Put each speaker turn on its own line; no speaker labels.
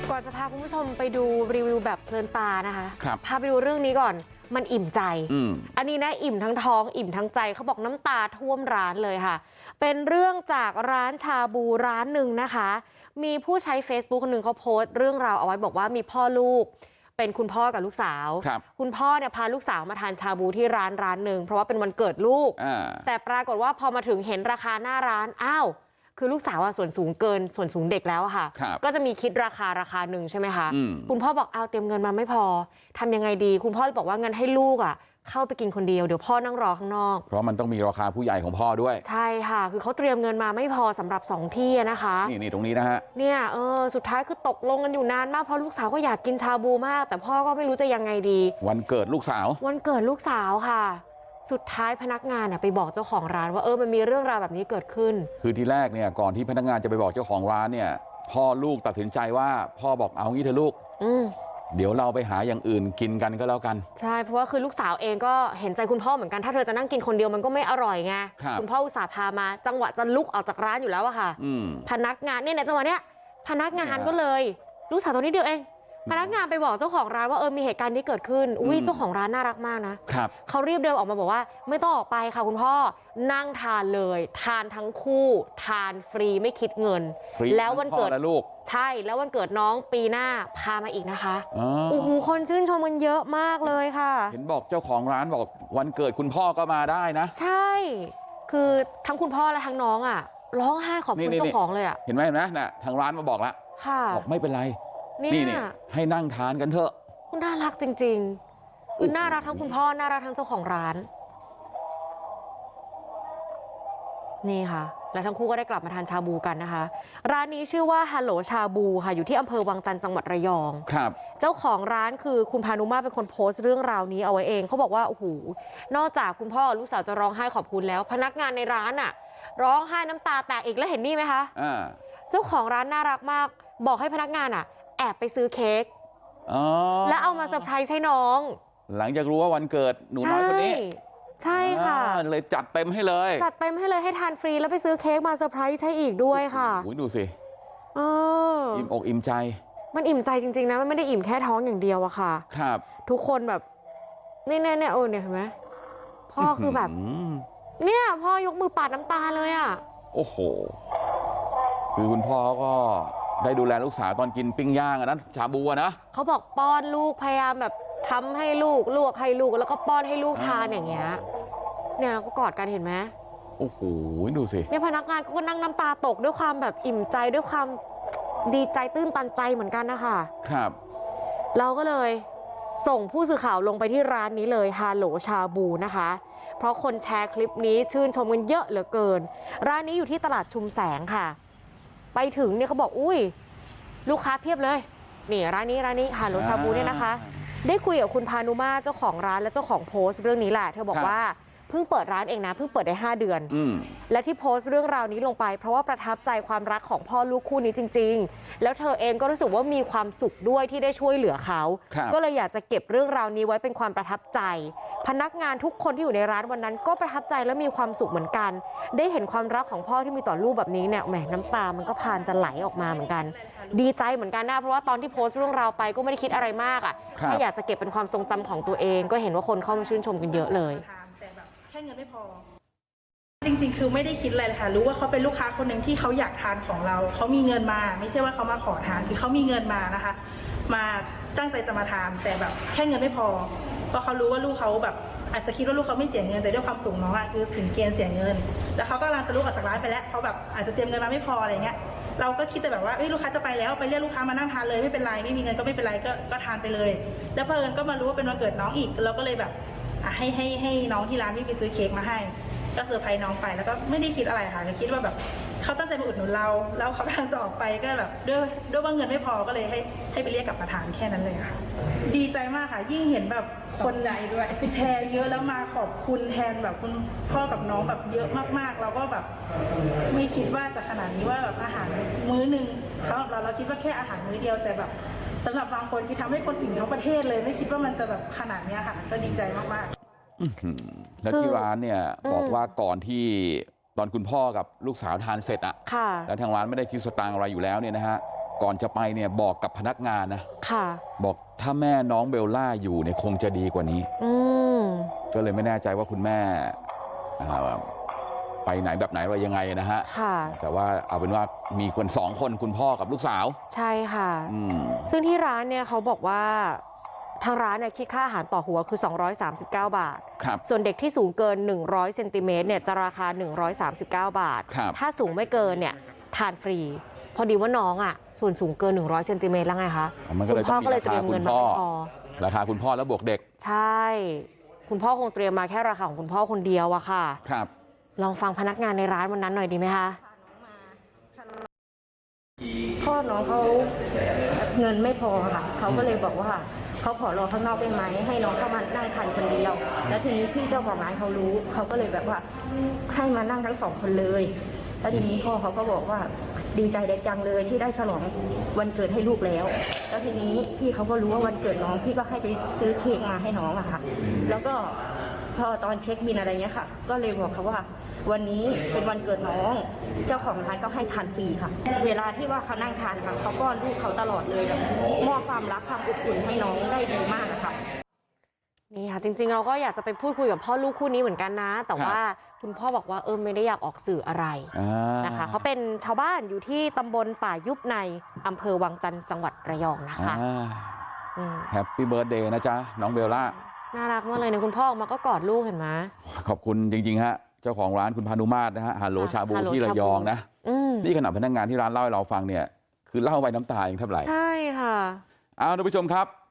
ก่อนจะพาคุณผู้ชมไปดูรีวิวแบบเพลินตานะคะ
พ
าไปดูเรื่องนี้ก่อนมันอิ่มใจอันนี้นะอิ่มทั้งท้องอิ่มทั้งใจเขาบอกน้ำตาท่วมร้านเลยค่ะเป็นเรื่องจากร้านชาบูร้านหนึ่งนะคะมีผู้ใช้ Facebook คนหนึ่งเขาโพสต์เรื่องราวเอาไว้บอกว่ามีพ่อลูกเป็นคุณพ่อกับลูกสาวคุณพ่อเนี่ยพาลูกสาวมาทานชาบูที่ร้านหนึ่งเพราะว่าเป็นวันเกิดลูกแต่ปรากฏว่าพอมาถึงเห็นราคาหน้าร้านอ้าวคือลูกสาวส่วนสูงเกินส่วนสูงเด็กแล้วค่ะก็จะมีคิดราคาหนึ่งใช่ไหมคะคุณพ่อบอกเอาเตรียมเงินมาไม่พอทำยังไงดีคุณพ่อเลยบอกว่าเงินให้ลูกเข้าไปกินคนเดียวเดี๋ยวพ่อนั่งรอข้างนอก
เพราะมันต้องมีราคาผู้ใหญ่ของพ่อด้วย
ใช่ค่ะคือเขาเตรียมเงินมาไม่พอสำหรับ2ที่นะคะ
นี่ตรงนี้นะฮะ
เนี่ยสุดท้ายคือตกลงกันอยู่นานมากเพราะลูกสาวก็อยากกินชาบูมากแต่พ่อก็ไม่รู้จะยังไงดี
วันเกิดลูกสาว
ค่ะสุดท้ายพนักงานไปบอกเจ้าของร้านว่ามันมีเรื่องราวแบบนี้เกิดขึ้น
คือทีแรกเนี่ยก่อนที่พนักงานจะไปบอกเจ้าของร้านเนี่ยพ่อลูกตัดสินใจว่าพ่อบอกเอางี้เถอะลูกเดี๋ยวเราไปหาอย่างอื่นกินกันก็แล้วกัน
ใช่เพราะว่าคือลูกสาวเองก็เห็นใจคุณพ่อเหมือนกันถ้าเธอจะนั่งกินคนเดียวมันก็ไม่อร่อยไงคุณพ่ออุตส่าห์พามาจังหวะจะลุกออกจากร้านอยู่แล้วอะค่ะพนักงานเนี่ยในจังหวะเนี้ยพนักงานก็เลยลูกสาวตัวนี้เดียวเองพนักงานไปบอกเจ้าของร้านว่ามีเหตุการณ์นี้เกิดขึ้นเจ้าของร้านน่ารักมากนะเขารีบเดินออกมาบอกว่าไม่ต้องออกไปค่ะคุณพ่อนั่งทานเลยทานทั้งคู่ทานฟรีไม่คิดเงินแล้ววันเกิด
ลูก
ใช่แล้ววันเกิดน้องปีหน้าพามาอีกนะคะโอ้โหคนชื่นชมกันเยอะมากเลยค่ะ
เห็นบอกเจ้าของร้านบอกวันเกิดคุณพ่อก็มาได้นะ
ใช่คือทั้งคุณพ่อและทั้งน้องร้องไห้ขอบคุณเจ้าของเลย
เห็นไหมนะทางร้านมาบอกแล้วบอกไม่เป็นไรนี่ให้นั่งทานกันเถอะ
คุณน่ารักจริงๆคือน่ารักทั้งคุณพ่อน่ารักทั้งเจ้าของร้านนี่ค่ะแล้วทั้งคู่ก็ได้กลับมาทานชาบูกันนะคะร้านนี้ชื่อว่าฮัลโหลชาบูค่ะอยู่ที่อำเภอวังจันทร์จังหวัดระยอง
ครับ
เจ้าของร้านคือคุณพานุมาเป็นคนโพสต์เรื่องราวนี้เอาไว้เองเขาบอกว่าโอ้โหนอกจากคุณพ่อลูกสาวจะร้องไห้ขอบคุณแล้วพนักงานในร้านร้องไห้น้ำตาแตกอีกแล้วเห็นนี่ไหมคะเจ้าของร้านน่ารักมากบอกให้พนักงานแอบไปซื้อเค้กแล้วเอามาเซอร์ไพรส์ให้น้อง
หลังจากรู้ว่าวันเกิดหนูน้อยคนนี้
ใช่ค่ะ
เลยจัดเต็มให้เลย
ให้ทานฟรีแล้วไปซื้อเค้กมาเซอร์ไพรส์ให้อีกด้วยค่ะ
ดูสิอิ่มอกอิ่มใจ
มันอิ่มใจจริงๆนะมันไม่ได้อิ่มแค่ท้องอย่างเดียวอะค่ะ
ครับ
ทุกคนแบบนี่เนี่ยเนี่ยเห็นไหมพ่อคือแบบเนี่ยพ่อยกมือปาดน้ำตาเลย
โอ้โหคือคุณพ่อก็ได้ดูแลลูกสาวตอนกินปิ้งย่างนะชาบูนะ
เขาบอกป้อนลูกพยายามแบบทำให้ลูกลวกให้ลูกแล้วก็ป้อนให้ลูกทานอย่างเงี้ยเนี่ยเราก็กอดกันเห็นไหม
โอ้โหดูสิ
เนี่ยพนักงานก็นั่งน้ำตาตกด้วยความแบบอิ่มใจด้วยความดีใจตื้นตันใจเหมือนกันนะคะ
ครับ
เราก็เลยส่งผู้สื่อข่าวลงไปที่ร้านนี้เลยฮัลโหลชาบูนะคะเพราะคนแชร์คลิปนี้ชื่นชมกันเยอะเหลือเกินร้านนี้อยู่ที่ตลาดชุมแสงค่ะไปถึงเนี่ยเขาบอกอุ้ยลูกค้าเพียบเลยนี่ร้านนี้ฮัลโหลชาบูเนี่ยนะคะได้คุยกับคุณพานุมาเจ้าของร้านและเจ้าของโพสต์เรื่องนี้แหละเธอบอกว่าเพิ่งเปิดร้านเองนะเพิ่งเปิดได้5 เดือนและที่โพสต์เรื่องราวนี้ลงไปเพราะว่าประทับใจความรักของพ่อลูกคู่นี้จริงๆแล้วเธอเองก็รู้สึกว่ามีความสุขด้วยที่ได้ช่วยเหลือเขาก็เลยอยากจะเก็บเรื่องราวนี้ไว้เป็นความประทับใจพนักงานทุกคนที่อยู่ในร้านวันนั้นก็ประทับใจและมีความสุขเหมือนกันได้เห็นความรักของพ่อที่มีต่อลูกแบบนี้เนี่ยแหมน้ำตามันก็พานจะไหลออกมาเหมือนกันดีใจเหมือนกันนะเพราะว่าตอนที่โพสต์เรื่องราวไปก็ไม่ได้คิดอะไรมากแค่อยากจะเก็บเป็นความทรงจำของตัวเองก็เห็นว่าคนเข้ามาชื่นชมกันเยอะเลย
แค่เงินไม่พอจริงๆคือไม่ได้คิดอะไรเลยค่ะรู้ว่าเขาเป็นลูกค้าคนหนึ่งที่เขาอยากทานของเราเขามีเงินมาไม่ใช่ว่าเขามาขอทานคือเขามีเงินมานะคะมาตั้งใจจะมาทานแต่แบบแค่เงินไม่พอเพราะเขารู้ว่าลูกเขาแบบอาจจะคิดว่าลูกเขาไม่เสียเงินแต่ด้วยความสูงน้องคือถึงเกณฑ์เสียเงินแล้วเขาก็กำลังจะลุกออกจากร้านไปแล้วเขาแบบอาจจะเตรียมเงินมาไม่พออะไรเงี้ยเราก็คิดแต่แบบว่าลูกค้าจะไปแล้วไปเรียกลูกค้ามานั่งทานเลยไม่เป็นไรไม่มีเงินก็ไม่เป็นไรก็ทานไปเลยแล้วเพิ่นก็มารู้ว่าเป็นวันเกิดน้องอีกเราก็เลยแบบให้น้องที่ร้านไปซื้อเค้กมาให้ก็เซอร์ไพรส์น้องไปแล้วก็ไม่ได้คิดอะไรค่ะคิดว่าแบบเขาตั้งใจมาอุดหนุนเราแล้วเขากำลังจะออกไปก็แบบด้วยว่าเงินไม่พอก็เลยให้ไปเรียกกลับมาทานแค่นั้นเลยค่ะดีใจมากค่ะยิ่งเห็นแบบคนใจด้วยแชร์เยอะแล้วมาขอบคุณแทนแบบคุณพ่อกับน้องแบบเยอะมากๆเราก็แบบไม่คิดว่าจะขนาดนี้ว่าแบบอาหารมื้อนึงสำหรับเราคิดว่าแค่อาหารมื้อเดียวแต่แบบสำหรับบางคนที่ทำให้คนอิ่มทั้งประเทศเลยไม่คิดว่ามันจะแบบขนาดนี้ค่ะก็ดีใจมาก
ๆแล้วที่ร้านเนี่ยบอกว่าก่อนที่ตอนคุณพ่อกับลูกสาวทานเสร็จแล้วทางร้านไม่ได้คิดสตางค์อะไรอยู่แล้วเนี่ยนะฮะก่อนจะไปเนี่ยบอกกับพนักงานนะ
ค่ะ
บอกถ้าแม่น้องเบลล่าอยู่เนี่ยคงจะดีกว่านี้ก็เลยไม่แน่ใจว่าคุณแม่ไปไหนแบบไหนอะไรยังไงนะฮะแต่ว่าเอาเป็นว่ามีคน2 คนคุณพ่อกับลูกสาว
ใช่ค่ะซึ่งที่ร้านเนี่ยเขาบอกว่าทางร้านเนี่ยคิดค่าอาหารต่อหัวคือ239 บาทส่วนเด็กที่สูงเกิน100เซนติเมตรเนี่ยจะราคา139 บาทถ้าสูงไม่เกินเนี่ยทานฟรีพอดีว่าน้องอ่ะส่วนสูงเกิน100เซนติเมตรแล้วไงคะคุณพ่อก็เลยเตรียมเงินมาพอ
ราคาคุณพ่อแล้วบวกเด็ก
ใช่คุณพ่อคงเตรียมมาแค่ราคาของคุณพ่อคนเดียวอะค่ะ
ครับ
ลองฟังพนักงานในร้านวันนั้นหน่อยดีไหมคะ
พ่อน้องเขาเงินไม่พอค่ะเขาก็เลยบอกว่าเขาขอรอข้างนอกได้ไหมให้น้องเข้ามานั่งทานคนเดียวแล้วทีนี้พี่เจ้าของร้านเขารู้เขาก็เลยแบบว่าให้มานั่งทั้ง2 คนเลยแล้วทีนี้พ่อเขาก็บอกว่าดีใจเด็กจังเลยที่ได้ฉลองวันเกิดให้ลูกแล้วแล้วทีนี้พี่เขาก็รู้ว่าวันเกิดน้องพี่ก็ให้ไปซื้อเค้กมาให้น้องอะค่ะแล้วก็พอตอนเช็คบิลอะไรเงี้ยค่ะก็เลยบอกเขาว่าวันนี้เป็นวันเกิดน้องเจ้าของร้านก็ให้ทานฟรีค่ะเวลาที่ว่าเขานั่งทานค่ะเขาป้อนลูกเขาตลอดเลยแบบมอบความรักความอบอุ่นให้น้องได้ดีมากนะคะ
นี่ค่ะจริงๆเราก็อยากจะไปพูดคุยกับพ่อลูกคู่นี้เหมือนกันนะแต่ว่าคุณพ่อบอกว่าไม่ได้อยากออกสื่ออะไรนะคะเขาเป็นชาวบ้านอยู่ที่ตำบลป่ายุบในอำเภอวังจันทร์จังหวัดระยองนะคะ
แฮปปี้เบิร์ธเดย์นะจ๊ะน้องเบลล่า
น่ารักมากเลยเนี่ยคุณพ่อออกมาก็กอดลูกเห็นไหม
ขอบคุณจริงๆฮะเจ้าของร้านคุณพานุมาตรนะฮะฮัลโหลชาบูที่ระยองนะนี่ขณะพนักงานที่ร้านเล่าให้เราฟังเนี่ยคือเล่าไปน้ำตาเองเท่าไหร่
ใช่ค่ะ
เอาท่านผู้ชมครับ